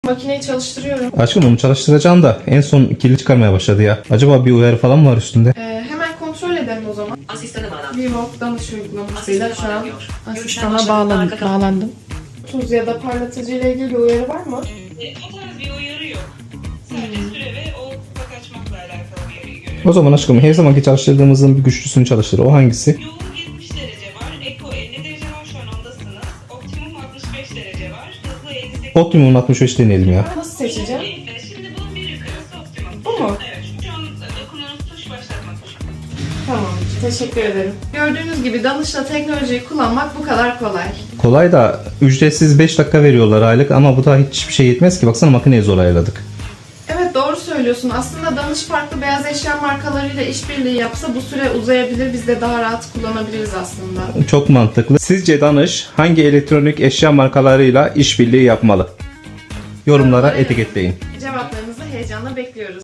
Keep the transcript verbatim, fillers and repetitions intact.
Makineyi çalıştırıyorum. Aşkım onu çalıştıracağım da en son kirli çıkarmaya başladı ya. Acaba bir uyarı falan mı var üstünde? Ee, hemen kontrol edelim o zaman. Asistana bağlan. Vivo danış uygulamasıyla şu an bağlanıyor. asistana Görüşten bağlan başladı, arka- bağlandım. Tuz ya da parlatıcı ile ilgili bir uyarı var mı? E, o tarz bir uyarı yok. Sadece süre ve o kupak açmakla alakalı uyarıyı görüyorum. O zaman aşkım her zamanki çalıştırdığımızın bir güçlüsünü çalıştır. O hangisi? Yoğun yetmiş derece var, Eko elli derece var, şu an ondasınız. Optimum altmış beş derece var, hızlı elli sekiz. Optimum altmış beş deneyelim ya. Nasıl seçeceğim? E, Şimdi bunun bir yukarısı optimum. Bu mu? Evet, şu an dokunduğunuz tuş başlatma tuşu. Tamam, teşekkür ederim. Gördüğünüz gibi danışla teknolojiyi kullanmak bu kadar kolay. Kolay da ücretsiz beş dakika veriyorlar aylık ama bu da hiçbir şey yetmez ki. Baksana makineyi zor ayarladık. Evet doğru söylüyorsun. Aslında danış farklı beyaz eşya markalarıyla işbirliği yapsa bu süre uzayabilir. Biz de daha rahat kullanabiliriz aslında. Çok mantıklı. Sizce Danış hangi elektronik eşya markalarıyla işbirliği yapmalı? Yorumlara etiketleyin. Cevaplarınızı heyecanla bekliyoruz.